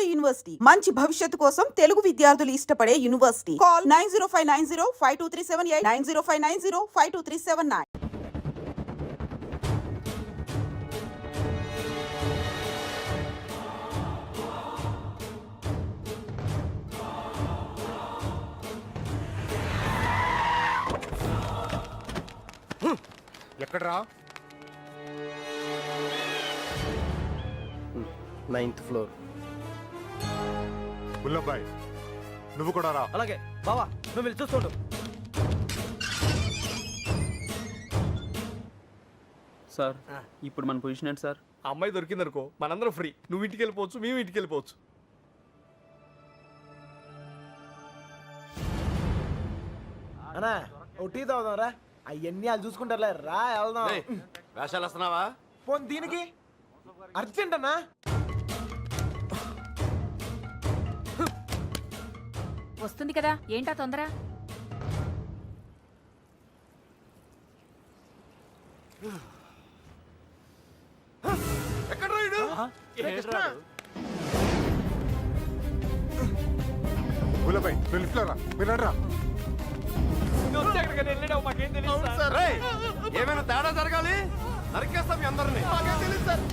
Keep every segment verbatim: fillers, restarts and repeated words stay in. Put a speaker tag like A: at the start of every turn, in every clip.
A: Tamil Nadu university మంచి భవిష్యత్తు కోసం తెలుగు విద్యార్థులు ఇష్టపడే university. Call nine zero five nine zero five two three seven eight nine zero five nine zero five two three seven nine.
B: ఎక్కడ్రా?
C: Ninth floor.
B: బుల్లబ్బాయ్ నువ్వు కూడా రా.
C: అలాగే బావా, నువ్వు వెళ్ళి చూస్తుండు.
D: సార్ ఇప్పుడు మన పొజిషన్ ఏంటి సార్?
C: ఆ అమ్మాయి దొరికింది అనుకో, మనందరం ఫ్రీ. నువ్వు ఇంటికి వెళ్ళిపోవచ్చు, మేము ఇంటికి వెళ్ళిపోవచ్చు.
E: అన్నా ఓ టీ తాగుదాం రా. అవన్నీ వాళ్ళు చూసుకుంటారులే, రా వెళ్దాం.
C: వేషాలు వస్తున్నావా?
E: పోనీ దీనికి అర్జెంట్ అన్నా.
F: వస్తుంది కదా, ఏంటా తొందర?
C: ఎక్కడ రాయుడు?
B: బుల్లబ్బాయ్ నువ్వు లిఫ్ట్లో రా. మీరు రా.
C: ఏమైనా తేడా జరగాలి, నరికేస్తాం మీ అందరినీ.
E: తెలియదు సార్.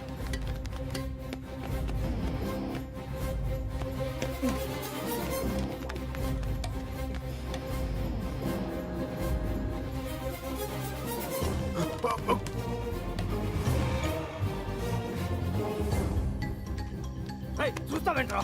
C: చూస్తావేంట్రా?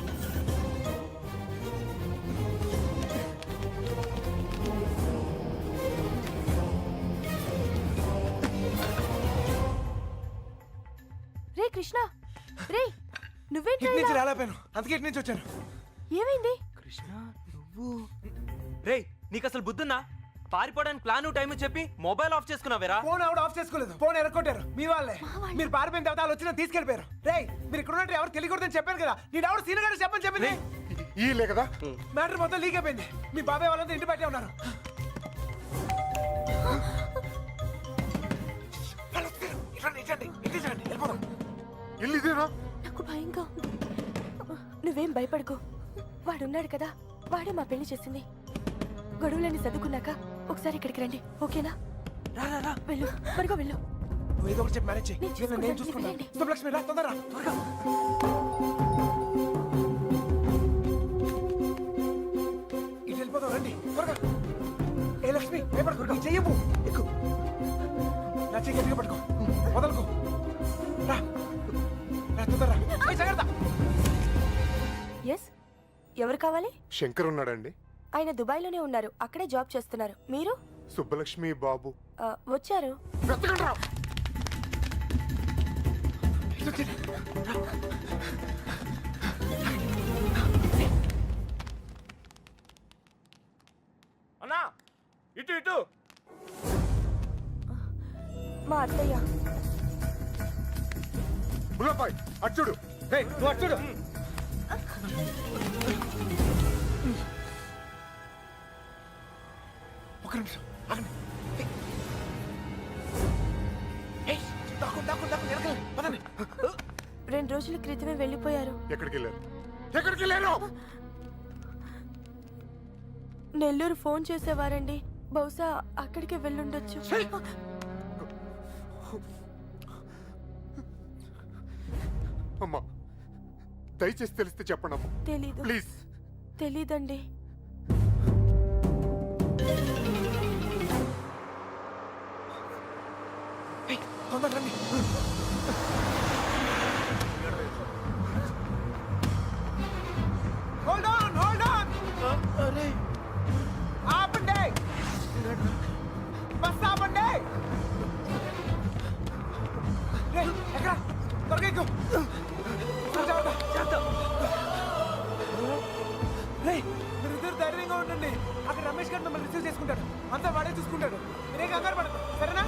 F: రే కృష్ణ, రే నువ్వేంటి?
E: ఇటు నుంచి రాలేపోయాను, అందుకే ఇటు నుంచి వచ్చాను.
F: ఏమైంది?
G: కృష్ణ నువ్వు రే, నీకు అసలు బుద్ధున్నా? పారిపోవడానికి ప్లాన్ టైం చెప్పి మొబైల్ ఆఫ్ చేసుకున్నావేరా?
E: ఫోన్ ఆవిడ ఆఫ్ చేసుకోలేదు, ఫోన్ ఎరగొట్టారు మీ వాళ్ళే. మీరు పారిపోయిన తర్వాత వాళ్ళు వచ్చిన తీసుకెళ్ళిపోయారు. రే మీరు ఇక్కడ ఉన్నట్టు ఎవరు తెలియకూడదని చెప్పాను కదా. నీ ఎవరు సీనగాడు చెప్పని చెప్పింది.
B: ఈ లే కదా
E: మ్యాటర్ మొత్తం లీక్ అయిపోయింది. మీ బాబాయ్ వాళ్ళంతా ఇంటి బయటే ఉన్నారు.
B: ఇల్లు ఇదేనా?
F: నాకు భయంగా ఉంది. నువ్వేం భయపడకు, వాడున్నాడు కదా, వాడే మా పెళ్లి చేసింది. గొడవలన్నీ చదువుకున్నాక ఒకసారి ఇక్కడికి రండి, ఓకేనా?
E: రా రా రా,
F: వెళ్ళు, త్వరగా వెళ్ళు.
E: నువ్వు ఏదో ఒకటి చెప్పి మ్యారేజ్ చేయి.
F: నేను చూసుకుంటాను,
E: నేను చూసుకుంటాను.
F: వెళ్ళండి.
E: శుభలక్ష్మి రా, తొందరరా, త్వరగా. ఇటు వెళ్ళిపోతావు, రండి త్వరగా. ఏ లక్ష్మి భయపడకు, నీ చెయ్యవు. ఎక్కు, నా చెయ్యి గట్టిగా పట్టుకో, వదలకు. రా రా, తొందరరా. ఏయ్, జాగ్రత్త.
F: ఎస్, ఎవరు కావాలి?
B: శంకర్ ఉన్నాడండి.
F: ఆయన దుబాయ్లోనే ఉన్నారు, అక్కడే జాబ్ చేస్తున్నారు. మీరు?
B: సుబ్బలక్ష్మి బాబు
F: ఆ, వచ్చారు.
B: వెతకండి రా.
C: అన్నా ఇటు ఇటు.
F: మా అత్తయ్య.
B: బుల్లబ్బాయ్ అచ్చుడు.
E: రేయ్, నువ్వు అటు చూడు. ఒక నిమిషం ఆగండి. ఏయ్, దాక్కు, దాక్కు, దాక్కు, వెనకాల, పదండి.
F: రెండు రోజుల క్రితమే వెళ్ళిపోయారు.
B: ఎక్కడికి వెళ్ళారు? ఎక్కడికి వెళ్ళారు?
F: నెల్లూరు ఫోన్ చేసేవారండి, బహుశా అక్కడికే వెళ్ళుండొచ్చు.
B: అమ్మా దయచేసి తెలిస్తే చెప్పండి అమ్మా,
F: తెలీదు.
B: ప్లీజ్.
F: తెలీదండి.
E: ఏయ్, తొందరగా రండి. Hold on, hold on. అరే ఆపండి, బస్ ఆపండి. రేయ్, ఎక్కడ? త్వరగా ఎక్కు. రేయ్, మీరిద్దరు ధైర్యంగా ఉండండి. అక్కడ రమేష్ గారు మిమ్మల్ని రిసీవ్ చేసుకుంటాడు. అంతా వాడే చూసుకుంటాడు. మీరే కంగారు పడదు, సరేనా?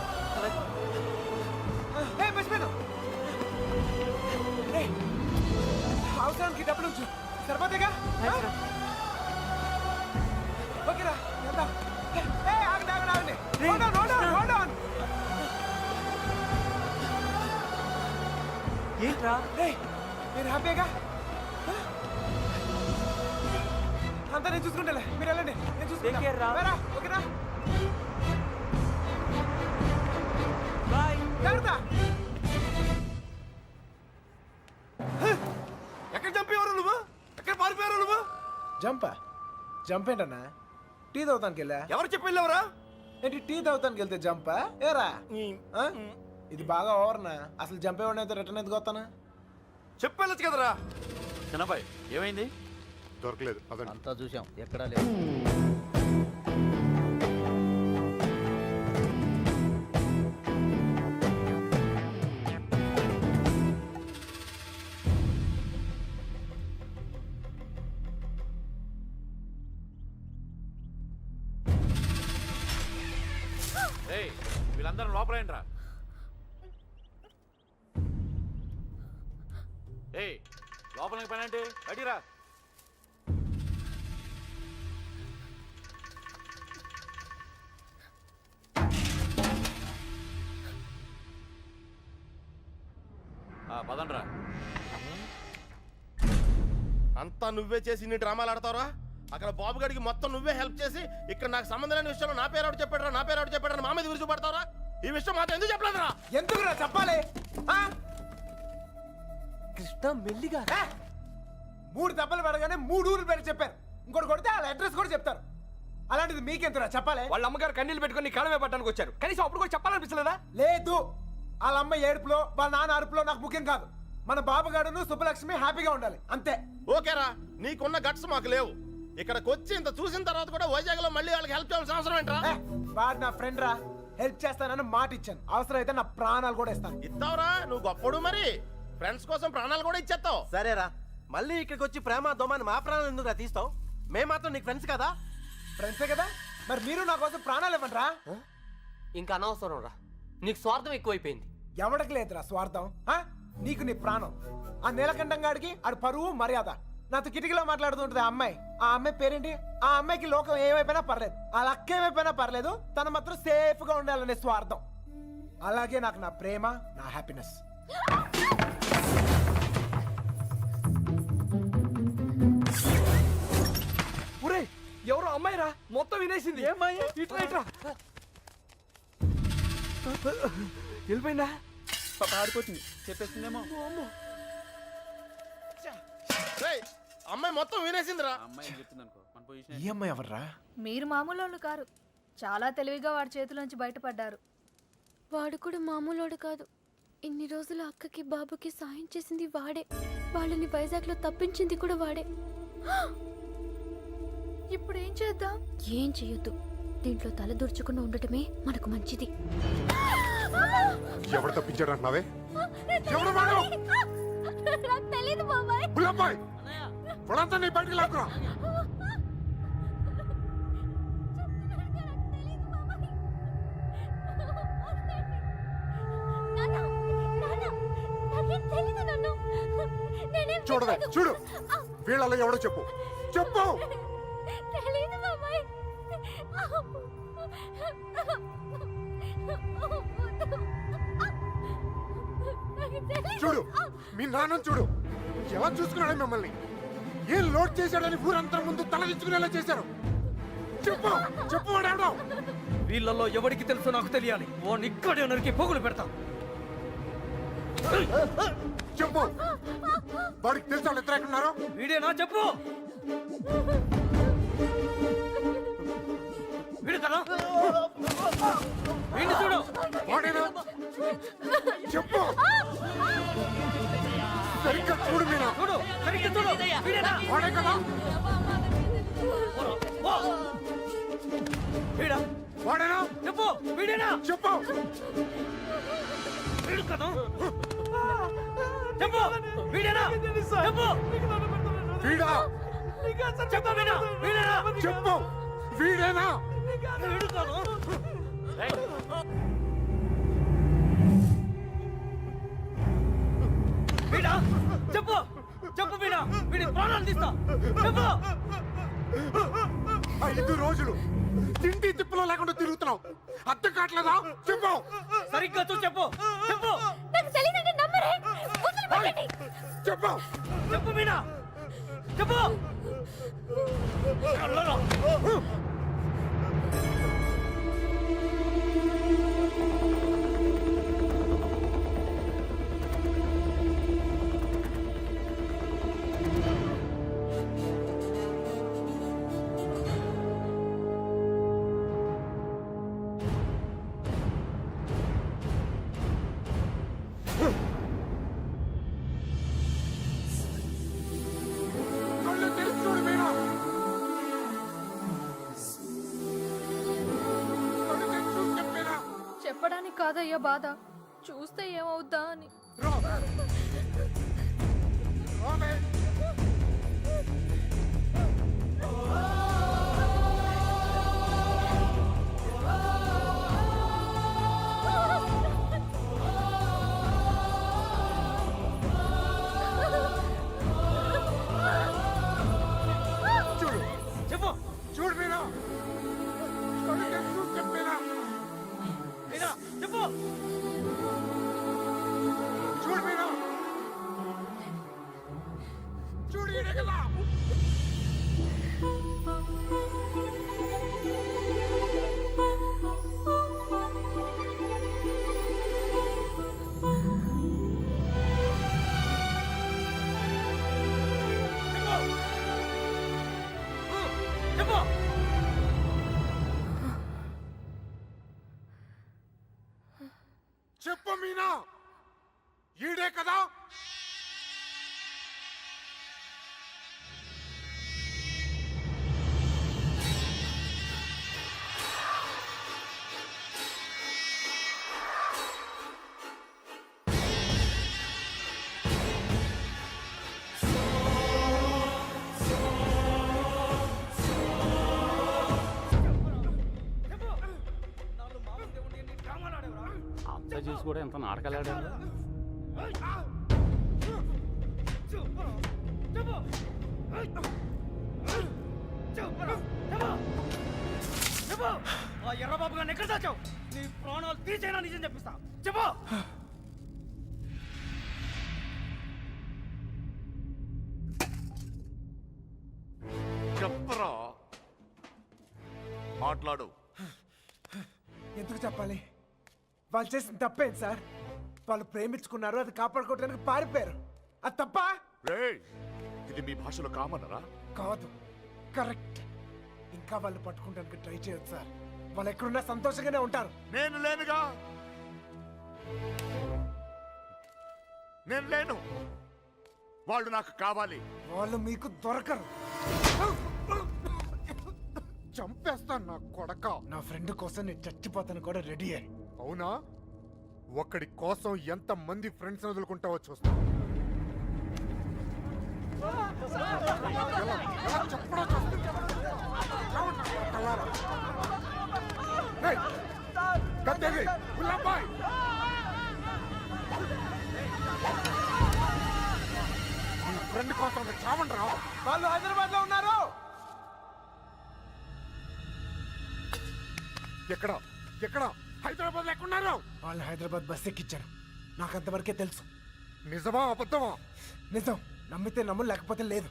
E: ఏయ్, మర్చిపోయాను. రేయ్, అవసరానికి డబ్బులు ఉంచు, సరిపోతేగా? ఓకేరా, వెళ్దాం. ఏయ్, ఆగండి, ఆగండి, ఆగండి. Hold on, hold on, hold on.
G: ఏంట్రా?
E: రేయ్, మీరు హ్యాపీగా? అంతా నేను చూసుకుంటాలే, మీరు వెళ్ళండి, నేను
G: Take care రా.
E: చూసుకుంటా. ఓకేనా?
G: బాయ్.
E: జాగ్రత్త.
C: ఎక్కడ చంపేవారు నువ్వు ఎక్కడ పారిపోయారు నువ్వు
E: జంపా జంప్ ఏంటన్నా? టీ తాగుతానికి వెళ్ళా.
C: ఎవరు చెప్పి వెళ్ళావురా
E: ఏంటి టీ తాగుతానికి వెళ్తే జంపా? ఏరా ఆ? ఇది బాగా ఓవర్నా? అసలు జంప్ ఏమన్నా రిటర్న్ ఎందుకు వస్తానా?
C: చెప్పి వెళ్ళొచ్చు కదరా
H: చిన్నబాయ్ ఏమైంది?
B: దొరకలేదు అదండి.
H: అంతా చూసాం ఎక్కడా లేదు. ఏయ్ వీళ్ళందరూ లోపలేంట్రా. ఏయ్ లోపలికి పని అంటే అడిరా. పదండ్రా.
I: అంతా నువ్వే చేసి నీ డ్రామాలు ఆడతావరా? అక్కడ బాబు గడికి మొత్తం నువ్వే హెల్ప్ చేసి ఇక్కడ నాకు సంబంధం లేని విషయంలో నా పేరు ఎవరు చెప్పాడరా నా పేరు ఎవరు చెప్పాడరా మా మీద విరుచుపడతావరా? ఈ విషయం మాత్రం ఎందుకు చెప్పలేదురా?
E: ఎందుకురా చెప్పాలి? ఆ?
G: కృష్ణ మెల్లిగా
E: ఏ? మూడు దెబ్బలు పడగానే మూడు ఊర్లు పేరు చెప్పారు. ఇంకోటి కొడితే వాళ్ళ అడ్రస్ కూడా చెప్తారు. అలాంటిది మీకెందుకురా చెప్పాలి?
C: వాళ్ళ అమ్మగారు కన్నీళ్ళు పెట్టుకుని నీ కాళ్ళమే పట్టడానికి వచ్చారు కనీసం అప్పుడు కూడా చెప్పాలనిపించలేదా
E: లేదు, వాళ్ళ అమ్మ ఏడుపులో వాళ్ళ నాన్న అరుపులో నాకు ముఖ్యం కాదు. మన బాబుగాడును సుబ్బలక్ష్మి హ్యాపీగా ఉండాలి అంతే.
I: ఓకేరా, నీకున్న గట్స్ మాకు లేవు. ఇక్కడికి వచ్చి ఇంత చూసిన తర్వాత కూడా వైజాగ్ లో మళ్ళీ వాళ్ళకి హెల్ప్ చేయాల్సిన అవసరం ఏంట్రా?
E: ఏ, వాడు నా ఫ్రెండ్ రా, హెల్ప్ చేస్తానని మాట ఇచ్చాను. అవసరం అయితే నా ప్రాణాలు కూడా ఇస్తాను.
I: ఇస్తావురా, నువ్వు గొప్పడు మరి ఫ్రెండ్స్ కోసం ప్రాణాలు కూడా ఇచ్చేస్తావు.
J: సరేరా, మళ్ళీ ఇక్కడికి వచ్చి ప్రేమ దోమని మా ప్రాణాలు ఎందుకు తీస్తావు? మేము మాత్రం నీకు ఫ్రెండ్స్ కదా.
E: ఫ్రెండ్సే కదా, మరి మీరు నా కోసం ప్రాణాలు ఇవ్వండి రా.
G: ఇంకా అనవసరం రా, నీకు స్వార్థం ఎక్కువైపోయింది.
E: ఎవడికి లేదురా స్వార్థం. ఆ? నీకు నీ ప్రాణం. ఆ నీలకంఠం గాడికి ఆడు పరువు మర్యాద. నాతో కిటికీలో మాట్లాడుతూ ఉంటుంది ఆ అమ్మాయి. ఆ అమ్మాయి పేరేంటి? ఆ అమ్మాయికి లోకం ఏమైపోయినా పర్లేదు, ఆ లక్క ఏమైపోయినా పర్లేదు, తను మాత్రం సేఫ్ గా ఉండాలనే స్వార్థం. అలాగే నాకు నా ప్రేమ, నా హ్యాపీనెస్.
C: ఒరే ఎవరో అమ్మాయి రా మొత్తం వినేసింది ఇట్లా ఇట్లా వెళ్ళిపోయిందా
D: పాప ఆడిపోతుంది చెప్పేస్తుందేమో.
I: రేయ్, అమ్మాయి మొత్తం వినేసిందిరా.
D: అమ్మాయి ఏం చెప్తుంది అనుకో మన పొజిషన్.
E: ఈ అమ్మాయి ఎవర్రా?
K: మీరు మామూలు వాళ్ళు కారు, చాలా తెలివిగా వాడి చేతిలోంచి బయటపడ్డారు.
F: వాడు కూడా మామూలోడు కాదు. ఇన్ని రోజులు అక్కకి బాబుకి సాయం చేసింది వాడే. వాళ్ళని వైజాగ్లో తప్పించింది కూడా వాడే.
K: ఇప్పుడు ఏం చేద్దాం?
F: ఏం చెయ్యొద్దు. దీంట్లో తల దూర్చకుండా ఉండటమే మనకు మంచిది.
B: ఎవడు తప్పించాడు అంటున్నావే? ఎవడు వాడు?
F: నాకు తెలీదు బాబాయ్.
B: బుల్లబ్బాయ్, వాడంతా నీ బయటికి లాక్కురా. చూడవే, చూడు, వీళ్ళలో ఎవడో చెప్పు చెప్పు.
F: తెలీదు బాబాయ్.
B: చూడు, మీ నాన్న చూడు ఎలా చూసుకున్నాడు మిమ్మల్ని. ఏం లోడ్ చేశాడని ఊరంతా ముందు తలదించుకునేలా చేశారు. చెప్పు చెప్పు, వాడెవడో?
C: వీళ్ళల్లో ఎవరికి తెలుసో నాకు తెలియాలి. ఓ ఇక్కడే నరికి పోగులు పెడతా.
B: చెప్పు, వాడికి తెలుసు వాళ్ళు ఎక్కడ ఉన్నారు?
C: వీడేనా చెప్పు. వీడు కదా వీడిని చూడు.
B: వాడేనా? చెప్పు, సరిగ్గా చూడు మీనా.
C: చూడు సరిగ్గా చూడు. వీడేనా?
B: వాడే కదా?
C: ఓ! వీడా?
B: వాడేనా?
C: చెప్పు వీడేనా?
B: చెప్పు.
C: వీడు కదా? చెప్పు వీడేనా? చెప్పు.
B: వీడా?
C: చెప్పు వీడా? వీడేనా?
B: చెప్పు, వీడేనా?
C: వీడు కాదు. వీడా? చెప్పు చెప్పు వీడా? వీడి ప్రాణాలు తీస్తా. చెప్పు.
B: ఐదు రోజులు తిండి తిప్పులో లేకుండా తిరుగుతున్నావు, అర్థం కావట్లేదా? చెప్పు.
C: సరిగ్గా చూ చెప్పు. చెప్పు
F: నాకు తెలీదంటే నమ్మరే.
B: చెప్పు.
C: చెప్పు మీనా. చెప్పు
B: కళ్ళు తెరిచి చూడు మీనా. కళ్ళు తెరిచి చూడు చెప్పేనా.
K: చెప్పడానికి కాదయ్యా బాధ, చూస్తే ఏమవుద్దా అని.
B: రా. రావే. చూడు
C: చెప్పు
B: చూడు మీనా. కళ్ళు తెరిచి చూడు చెప్పేనా.
C: మీనా చెప్పు
B: చూడు మీనా. చూడు ఈడే కదా.
C: చెప్పు
B: చెప్పు మీనా. ఈడే కదా.
D: అంతా చూసి కూడా ఎంత నాటకాలు ఆడారు.
C: ఆ ఎర్రబాబు గారిని ఎక్కడ దాచావు? నీ ప్రాణాలు తీసేనా నిజం చెప్పిస్తా. చెప్పు
H: చెప్పరా, మాట్లాడు.
E: ఎందుకు చెప్పాలి? వాళ్ళు చేసిన తప్పేంటి సార్? వాళ్ళు ప్రేమించుకున్నారు, అది కాపాడుకోవడానికి పారిపోయారు. అది తప్ప
H: రేయ్, ఇది మీ భాషలో కామనరా?
E: కాదు, కరెక్ట్. ఇంకా వాళ్ళు పట్టుకోవడానికి ట్రై చేయొచ్చు సార్. వాళ్ళు ఎక్కడున్నా సంతోషంగానే ఉంటారు.
H: నేను లేనుగా. నేను లేను. వాళ్ళు నాకు కావాలి.
E: వాళ్ళు మీకు దొరకరు.
B: చంపేస్తాను నా కొడక.
E: నా ఫ్రెండ్ కోసం నేను చచ్చిపోతాను కూడా రెడీ అయ్యి.
B: అవునా? ఒక్కడి కోసం ఎంత మంది ఫ్రెండ్స్ వదులుకుంటావో చూస్తా. ఎలా- ఎలా చెప్పడో చూస్తా. చావండి నా కొడకల్లారా. ఏయ్, గద్దెది, గులాబాయ్. నీ ఫ్రెండ్ కోసం చావండి రా.
E: వాళ్ళు హైదరాబాద్ లో ఉన్నారు.
B: ఎక్కడ ఎక్కడ హైదరాబాద్ ఎక్కడున్నారు?
E: వాళ్ళు హైదరాబాద్ బస్ ఎక్కిచ్చారు. నాకు అంతవరకే తెలుసు.
B: నిజమా అబద్ధమా?
E: నిజం. నమ్మితే నమ్ము, లేకపోతే లేదు.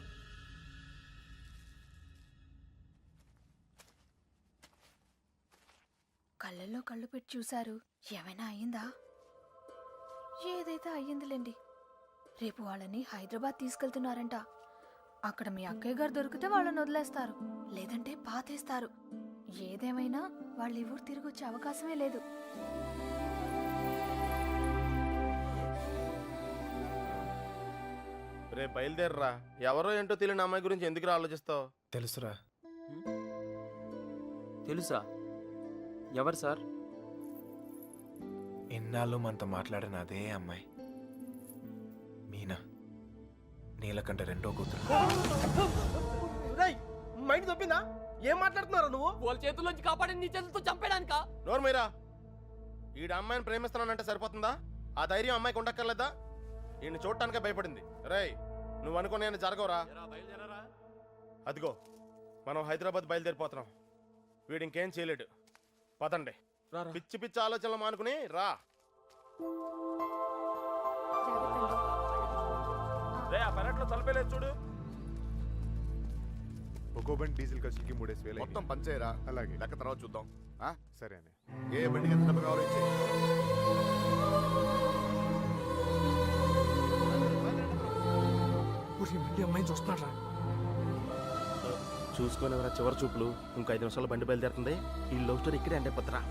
K: కళ్ళల్లో కళ్ళు పెట్టి చూశారు. ఏమైనా అయ్యిందా? ఏదైతే అయ్యిందిలేండి. రేపు వాళ్ళని హైదరాబాద్ తీసుకెళ్తున్నారంట. అక్కడ మీ అక్కయ్య గారు దొరికితే వాళ్ళని వదిలేస్తారు, లేదంటే పాతేస్తారు. ఏదేమైనా వాళ్ళు ఈ ఊరు తిరిగి వచ్చే అవకాశమే లేదు.
I: రేపు బయలుదేరరా. ఎవరో ఏంటో తెలియని అమ్మాయి గురించి ఎందుకు ఆలోచిస్తావు?
E: తెలుసురా.
D: తెలుసా? ఎవరు సార్?
E: ఎన్నాళ్ళు మనతో మాట్లాడిన అదే అమ్మాయి, మీనా. నీలకంఠ రెండో కూతురు.
J: మైండ్ తప్పిందా? ఏం మాట్లాడుతున్నారా నువ్వు?
C: వాళ్ళ చేతుల్లోంచి కాపాడి నీ చేతులతో చంపేడానికా?
I: నోరు మీరా. ఈడ అమ్మాయిని ప్రేమిస్తున్నానంటే సరిపోతుందా? ఆ ధైర్యం అమ్మాయికి ఉండక్కర్లేదా? ఈయన చూడటానికే భయపడింది. రేయ్, నువ్వు అనుకునే జరగవురా. అదిగో మనం హైదరాబాద్ బయలుదేరిపోతున్నాం. వీడు ఇంకేం చేయలేడు. పదండి. పిచ్చి పిచ్చి ఆలోచనలు మానుకుని రా. రే, ఆ పెరట్లో తలపేలేదు చూడు.
B: ఒక్కో బండి డీజిల్ ఖర్చులకి మూడేసి వేలు
H: మొత్తం పంచేయరా.
B: అలాగే.
H: లెక్క తర్వాత చూద్దాం. ఆ?
B: సరే అని
H: ఏ బండికి ఎంత డబ్బు కావాలో ఇచ్చేయ్.
E: ఊరి మళ్ళీ అమ్మాయిని చూస్తున్నారా?
I: చూసుకొని ఎవరా చివరి చూపులు. ఇంకో ఐదు నిమిషాలు బండి బయలుదేరుతుంది. ఈ లవ్ స్టోరీ ఇక్కడే అంటే పత్రా.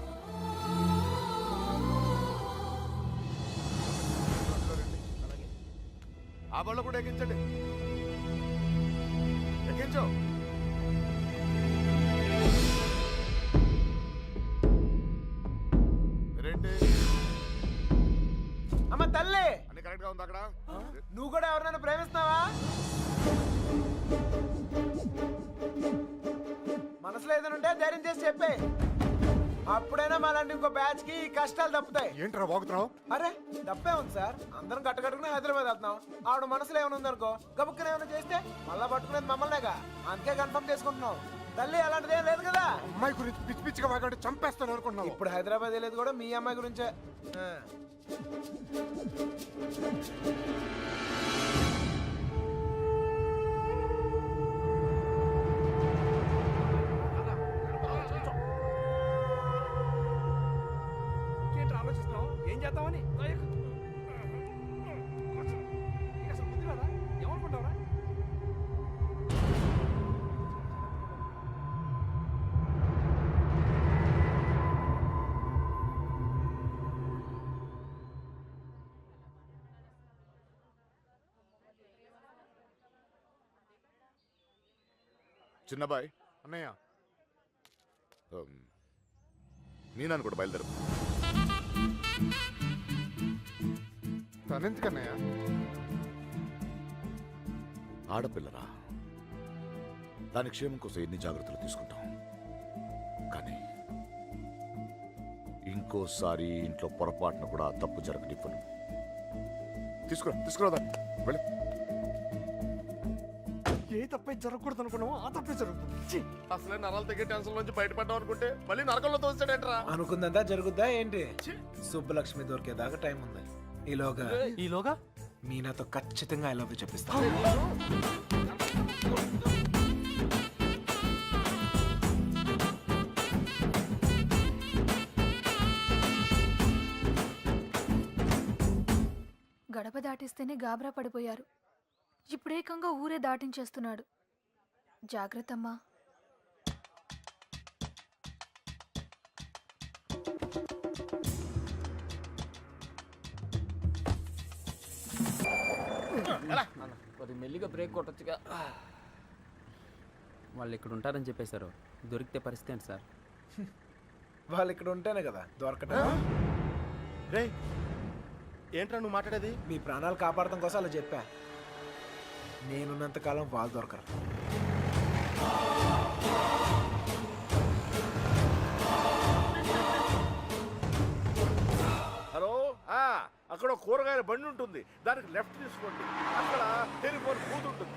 H: ఆ బళ్ళు కూడా ఎక్కించండి. ఎక్కించు. ఏంటి
E: అమ్మ తల్లి,
H: అన్ని కరెక్ట్ గా ఉంది అక్కడ?
E: నువ్వు కూడా ఎవరినైనా ప్రేమిస్తున్నావా? మనసులో ఏదైనా ఉంటే ధైర్యం చేసి చెప్పే. అప్పుడైనా మళ్ళీ ఇంకో బ్యాచ్ కి ఈ కష్టాలు తప్పుతాయి.
B: ఏంట్రా వాగుతున్నావు?
E: అరే తప్పే ఉంది సార్, అందరం కట్టకట్టుకుని హైదరాబాద్ వెళ్తున్నాం. ఆవిడ మనసులో ఏమైనా ఉందనుకో, గబుక్కున ఏమైనా చేస్తే మళ్ళా పట్టుకునేది మమ్మల్నేగా. అందుకే కన్ఫర్మ్ చేసుకుంటున్నాం. తల్లి అలాంటిది ఏం లేదు కదా.
B: అమ్మాయి గురించి పిచ్చి పిచ్చిగా వాగాడు, చంపేస్తాను అనుకుంటున్నావు.
E: ఇప్పుడు హైదరాబాద్ వెళ్ళేది కూడా మీ అమ్మాయి గురించే. ఆ.
C: ఏంటి ఆలోచిస్తున్నావు? ఏం చేద్దామని? అసలు బుద్ధి రాదా? ఏమనుకుంటావురా?
H: చిన్నబాయ్,
B: అన్నయ్య
H: నీ నన్ను కూడా బయలుదేరు.
B: తనెందుకన్నయ్య?
H: ఆడపిల్లరా, దాని క్షేమం కోసం ఎన్ని జాగ్రత్తలు తీసుకుంటాం. కానీ ఇంకోసారి ఇంట్లో పొరపాటున కూడా ఆ తప్పు జరగనివ్వను. తీసుకురా తీసుకురా దాన్ని. వెళ్ళి.
C: ఏ తప్పే జరగకూడదు అనుకున్నావు, ఆ తప్పే జరుగుతుంది.
I: అసలే నరాలు తగ్గే టెన్షన్ నుంచి బయటపడ్డాం అనుకుంటే మళ్ళీ నరకంలో తోస్తాడేంట్రా.
E: అనుకుందంతా జరుగుద్దా ఏంటి? సుబ్బలక్ష్మి దొరికేదాకా టైం ఉంది. ఈలోగా
G: ఈలోగా
E: మీనాతో ఖచ్చితంగా ఐ లవ్ యూ చెప్పిస్తా.
K: గడప దాటిస్తేనే గాబరా పడిపోయారు. ఇప్పుడేకంగా ఊరే దాటించేస్తున్నాడు. జాగ్రత్తమ్మా.
D: కొద్ది మెల్లిగా బ్రేక్ కొట్టొచ్చుగా. వాళ్ళు ఇక్కడ ఉంటారని చెప్పేశారు. దొరికితే పరిస్థితి ఏంటి సార్?
E: వాళ్ళు ఇక్కడ ఉంటేనే కదా దొరకటం.
I: రే ఏంట్రా నువ్వు మాట్లాడేది?
E: మీ ప్రాణాలు కాపాడటం కోసం అలా చెప్పా. నేనున్నంత కాలం వాళ్ళు దొరకరు.
H: హలో, అక్కడ కూరగాయల బండి ఉంటుంది, దానికి లెఫ్ట్ తీసుకోండి. అక్కడ టెలిఫోన్ బూత్ ఉంటుంది.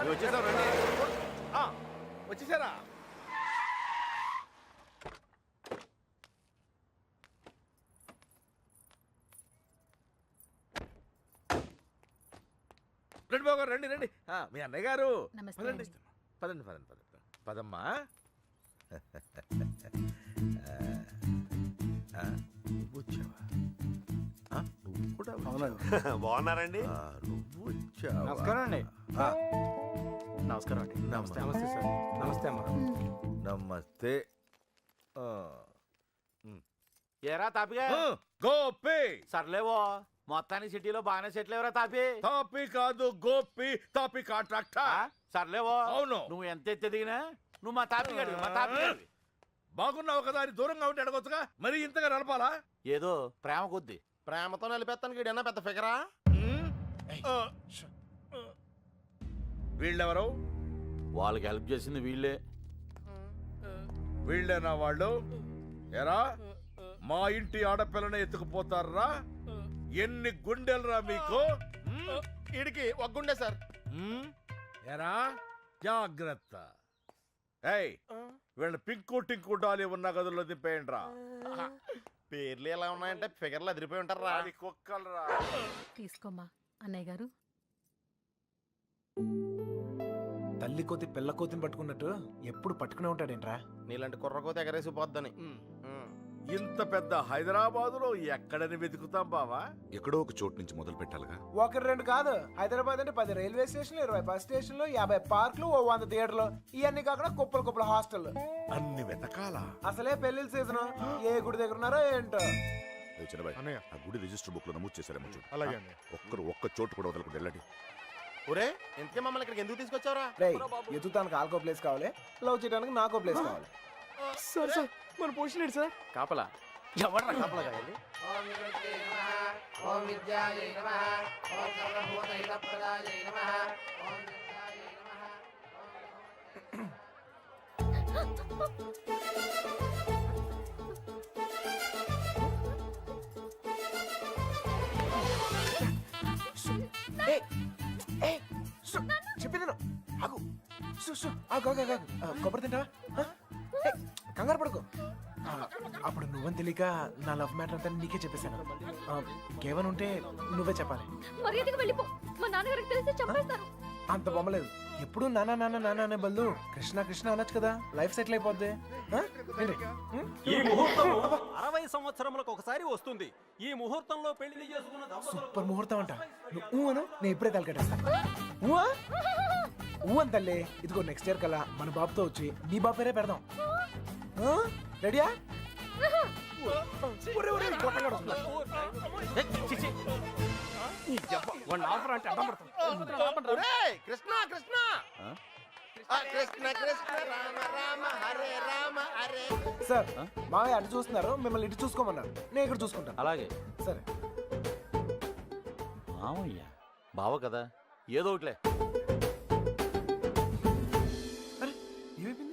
H: వచ్చేసారా? రండి బాబు గారు, రండి రండి. ఆ, మీ అన్నయ్య గారు పదండి పదండి పదండి పదండి పదమ్మా. నువ్వు వచ్చావా? నువ్వు కూడా
J: బాగున్నారండి?
H: నువ్వు వచ్చావా?
D: నమస్కారం అండి.
G: నమస్కారం అండి.
H: నమస్తే.
D: నమస్తే సార్.
G: నమస్తే అమ్మా.
H: నమస్తే.
J: ఏరా తాపిగా?
H: గోపి.
J: సర్లేవో, మొత్తానికి సిటీలో బాగానే సెటిల్ ఎవరా తాపి?
H: తాపి కాదు, గోపి. తాపి కాంట్రాక్టర్.
J: సర్లేవో,
H: అవును.
J: నువ్వు ఎంత ఎత్తి దిగినా నువ్వు మా తాపి గడివి, మా తాపి గడివి.
H: బాగున్నావు కదా అని దూరంగా ఉంటే అడగొచ్చుగా, మరి ఇంతగా నడపాలా?
J: ఏదో ప్రేమ కొద్ది.
I: ప్రేమతో నిలిపేస్తానికి ఈడన్నా పెద్ద ఫిగరా?
H: వీళ్ళెవరు?
J: వాళ్ళకి హెల్ప్ చేసింది వీళ్ళే.
H: వీళ్ళేనా వాళ్ళు? ఎరా, మా ఇంటి ఆడపిల్లని ఎత్తుకుపోతారా? ఎన్ని గుండెలరా మీకు?
I: ఈడికి ఒక గుండె సార్.
H: ఎరా, జాగ్రత్త. ఏయ్, వీళ్ళ పింకు టింకు డాలి ఉన్న గదుల్లో దింపేయండి రా.
I: పేర్లు ఎలా ఉన్నాయంటే ఫిగర్లు అదిరిపోయి ఉంటారా?
H: కుక్కలరా.
K: తీసుకోమ్మా అన్నయ్య గారు.
E: తల్లి పెళ్లి కోతి పిల్ల కోతిని పట్టుకున్నట్టు ఎప్పుడు పట్టుకునే ఉంటాడేంట్రా?
I: నీలాంటి కుర్రకోత ఎగరేసి పోద్దని
H: ఇంత పెద్ద హైదరాబాదులో ఎక్కడని వెతుకుతాం బావా?
B: ఎక్కడో ఒక చోటు నుంచి మొదలు పెట్టాలిగా.
E: ఒకటి రెండు కాదు, హైదరాబాద్ అంటే పది రైల్వే స్టేషన్లు, ఇరవై బస్ స్టేషన్లు, యాభై పార్కులు, ఓ వంద థియేటర్లు, ఇవన్నీ కాకుండా కుప్పలు కుప్పల హాస్టల్.
H: అన్ని వెతకాలా?
E: అసలే పెళ్లిళ్ళ సీజన్, ఏ గుడి దగ్గర ఉన్నారో ఏంటో.
B: అన్నయ్య
L: ఆ గుడి రిజిస్టర్ బుక్ లో నమోదు చేశారేమో చూడు.
B: అలాగే అన్నయ్య.
L: ఒక్కరు ఒక్క చోటు కూడా వదలకుండా వెళ్ళండి.
I: ఒరే ఇంతకే మమ్మల్ని ఇక్కడికి ఎందుకు తీసుకొచ్చావురా?
E: రేయ్, ఎత్తుతానికి ఆల్కో ప్లేస్ కావాలి, లవ్ చేయడానికి నాకో ప్లేస్ కావాలి.
C: సార్ సార్ మన పొజిషన్ ఏంటి సార్?
D: కాపలా
J: ఎవరు కాపలా కాదండి?
E: ఏయ్, ఏయ్, సు, చెప్పింది విను. ఆగు. సు, సు, ఆగు, ఆగు, ఆగు, ఆగు. ఆ, కొబ్బరి తింటావా? ఆ? ఏయ్, కంగారు పడుకో. ఆ, అప్పుడు నువ్వని తెలియక నా లవ్ మ్యాటర్ అంతా నీకే చెప్పేశాను. ఆ, కేవలం ఉంటే నువ్వే చెప్పాలి.
F: మర్యాదగా వెళ్ళిపో, మా నాన్నగారికి తెలిస్తే చంపేస్తారు.
E: అంత బొమ్మలేదు. ఎప్పుడు నాన్న నాన్న నాన్న అనే బదులు కృష్ణ కృష్ణ అనొచ్చు కదా, లైఫ్ సెటిల్ అయిపోద్ది. ఆ? ఏంటి? ఉం?
C: ఈ ముహూర్తం అరవై సంవత్సరములకు ఒకసారి వస్తుంది. ఈ ముహూర్తంలో పెళ్లి చేసుకున్న దంపతులకు
E: సూపర్ ముహూర్తం అంట. నువ్వు ఊ అను, నేను ఇప్పుడే తలకెట్టేస్తాను. ఊ ఊ అని తల్లి. ఇదిగో నెక్స్ట్ ఇయర్ కల్లా మన బాబుతో వచ్చి నీ బాబు పేరే పెడదాం. ఆ? రెడీయా? ఒరే, ఒరే, కొట్టంగాడు వస్తున్నాడు.
I: ఒరేయ్, కృష్ణ కృష్ణ ఆ, కృష్ణ కృష్ణ రామ రామ హరే రామ హరే.
E: సార్, మావయ్య అటు చూస్తున్నారు, మిమ్మల్ని ఇటు చూసుకోమన్నారు. నేను ఇక్కడ చూసుకుంటాను.
D: అలాగే.
E: సరే.
J: మామయ్య బావ కదా, ఏదో ఒకటిలే.
E: అరే, ఏమైపోయింది?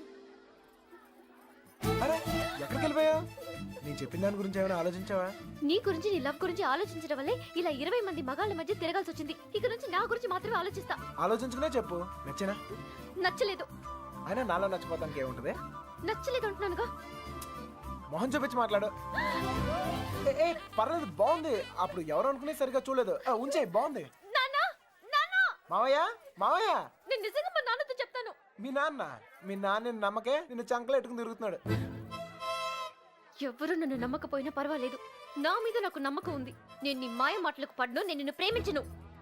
E: అరే, ఎక్కడికి వెళ్ళిపోయావు? నేను చెప్పిన దాని గురించి ఏమైనా ఆలోచించావా?
F: నీ గురించి నీ లవ్ గురించి ఆలోచించడం వల్లే ఇలా ఇరవై మంది మగాళ్ళ మధ్య తిరగాల్సి వచ్చింది. ఇక నుంచి నా గురించి మాత్రమే ఆలోచిస్తా.
E: ఆలోచించుకునే చెప్పు. నచ్చేనా?
F: నచ్చలేదు.
E: అయినా నాలో నచ్చిపోతానికి ఏముంటది?
F: నచ్చలేదు అంటున్నానుగా.
E: మొహం చూపించి మాట్లాడు. ఏ, ఏ, పర్లేదు, బాగుంది. అప్పుడు ఎవరు అనుకునే సరిగా చూడలేదు. ఆ, ఉంచే, బాగుంది.
F: నాన్న, నాన్న,
E: మావయ్య, మావయ్య,
F: నేను నిజంగా మా నాన్నతో చెప్తాను.
E: మీ నాన్న మీ నాన్న నమ్మకే నిన్ను చంకలో ఎట్టుకుని తిరుగుతున్నాడు.
F: ఎవ్వరూ నన్ను నమ్మకపోయినా పర్వాలేదు, నా మీద నాకు నమ్మకం ఉంది. నేను నీ మాయ మాటలకు పడ్ను, నేను నిన్ను ప్రేమించను.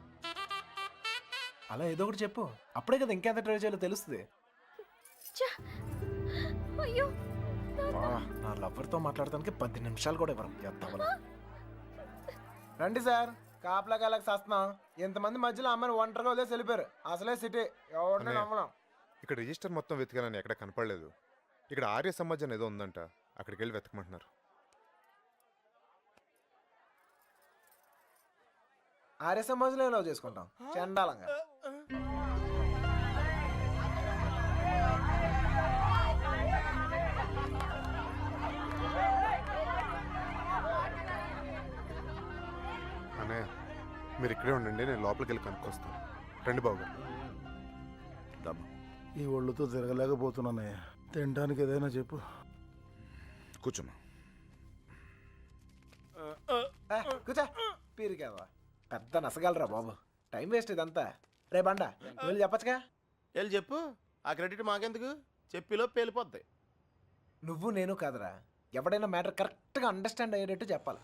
E: అలా ఏదో ఒకటి చెప్పు, అప్పుడే కదా ఇంకెంత ట్రై చేయాలో తెలుస్తుంది.
F: ఛ! అయ్యో,
E: వా, నా లవ్వర్తో మాట్లాడటానికి పది నిమిషాలు కూడా ఇవ్వరు. ఎత్తవలు. రండి సార్, కాపలా కాలకు సస్తున్నాం. ఇంతమంది మధ్యలో అమ్మాయిని ఒంటరిగా వదిలేసి వెళ్ళిపోయారు. అసలే సిటీ, ఎవరిని
B: అన్నయ్య.
E: నమ్మలేం.
B: ఇక్కడ రిజిస్టర్ మొత్తం వెతికానని ఎక్కడ కనపడలేదు. ఇక్కడ ఆర్య సమాజం ఏదో ఉందంట, అక్కడికి వెళ్ళి వెతకమంటున్నారు.
E: ఆర్య సమాజంలో లవ్ చేసుకుంటాం చండాలంగా.
B: అన్నయ్య, మీరు ఇక్కడే ఉండండి, నేను లోపలికి వెళ్ళి కనుక్కొస్తాను. రండి బాబు గారు.
L: ఈ ఒళ్ళుతో తిరగలేకపోతున్నానయ్యా. తినడానికి ఏదైనా చెప్పు. కూర్చోమ్మా.
E: ఏ, కూర్చో. పీరికావా, పెద్ద నసగలరా బాబు. టైం వేస్ట్ ఇదంతా. రే బండ, వెళ్ళి చెప్పచ్చుగా.
I: వెళ్ళి చెప్పు, ఆ క్రెడిట్ మాకెందుకు? చెప్పిలో పేలిపోద్ది.
E: నువ్వు నేను కాదురా, ఎవడైనా మ్యాటర్ కరెక్ట్గా అండర్స్టాండ్ అయ్యేటట్టు చెప్పాలి.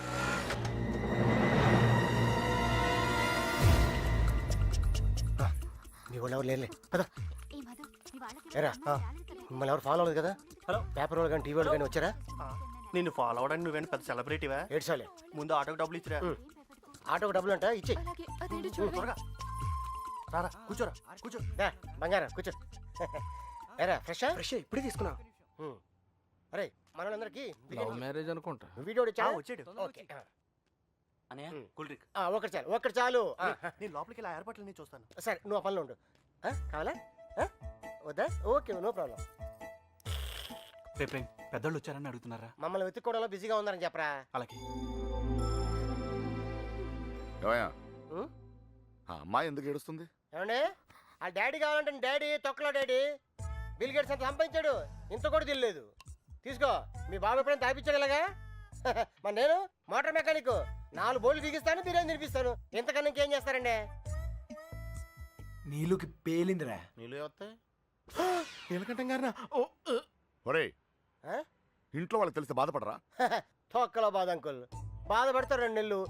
J: మీ వాళ్ళు ఎవరు లేలే పద. ఏరా, మిమ్మల్ని ఎవరు ఫాలో అవ్వలేదు కదా? హలో, పేపర్ వాళ్ళు కానీ టీవీ వాళ్ళు కానీ వచ్చారా?
C: నిన్ను ఫాలో అవడానికి నువ్వేంటి పెద్ద సెలబ్రిటీవా?
J: ఏడ్చాలే.
C: ముందు ఆటోకి డబ్బులు ఇచ్చిరా.
J: ఆటోకి డబ్బులు అంట, ఇచ్చే.
F: అలాగే, అదేంటో చూడండి.
C: త్వరగా రారా, కూర్చోరా, కూర్చో.
J: బంగారం కూర్చో. ఏరా, ఫ్రెషా?
C: ఫ్రెష్ ఇప్పుడే తీసుకున్నా.
J: అరే, మన వాళ్ళందరికీ
D: లవ్ మ్యారేజ్ అనుకుంటా.
J: వీడియో
C: ఆ, వచ్చాడు.
J: ఓకే.
C: అన్నయ్య, కూల్ డ్రింక్.
J: ఆ, ఒకటి చాలు, ఒకటి చాలు. ఆ,
C: నేను లోపలికి ఇలా ఏర్పాట్లన్నీ చూస్తాను.
J: సరే, నువ్వు ఆ పనిలో ఉండు. ఆ, కావాలా? ఆ? వద్దా? Okay, no problem.
C: రేపు పెద్దోళ్ళు వచ్చారని అడుగుతున్నారా?
J: మమ్మల్ని వెతుక్కోవడంలో బిజీగా ఉన్నారని చెప్పరా.
C: అలాగే.
L: ఏమయ్యా,
J: ఉం?
L: ఆ అమ్మాయి ఎందుకు ఏడుస్తుంది?
J: ఏమండి, ఆ డాడీ కావాలంటే డాడీ తొక్కలో డాడీ బిల్ గేట్స్ అంత సంపాదించాడు, ఇంత కూడా తెలియలేదు. తీసుకో, మీ బాబు ఎప్పుడైనా తాపించాడు ఇలాగా. మరి నేను మోటార్ మెకానిక్, నాలుగు బోర్లు బిగిస్తాను, బిర్యానీ తినిపిస్తాను. ఇంతకన్నా ఇంకేం చేస్తారండి?
E: నీళ్ళకి పేలిందిరా.
I: నీళ్ళు వస్తాయి నీలకంఠం గారినా
L: ఒరే
J: ఆ?
L: ఇంట్లో వాళ్ళకి తెలిసి బాధపడరా?
J: తొక్కలో బాధ అంకుల్. బాధపడతారు రెండు నెలలు,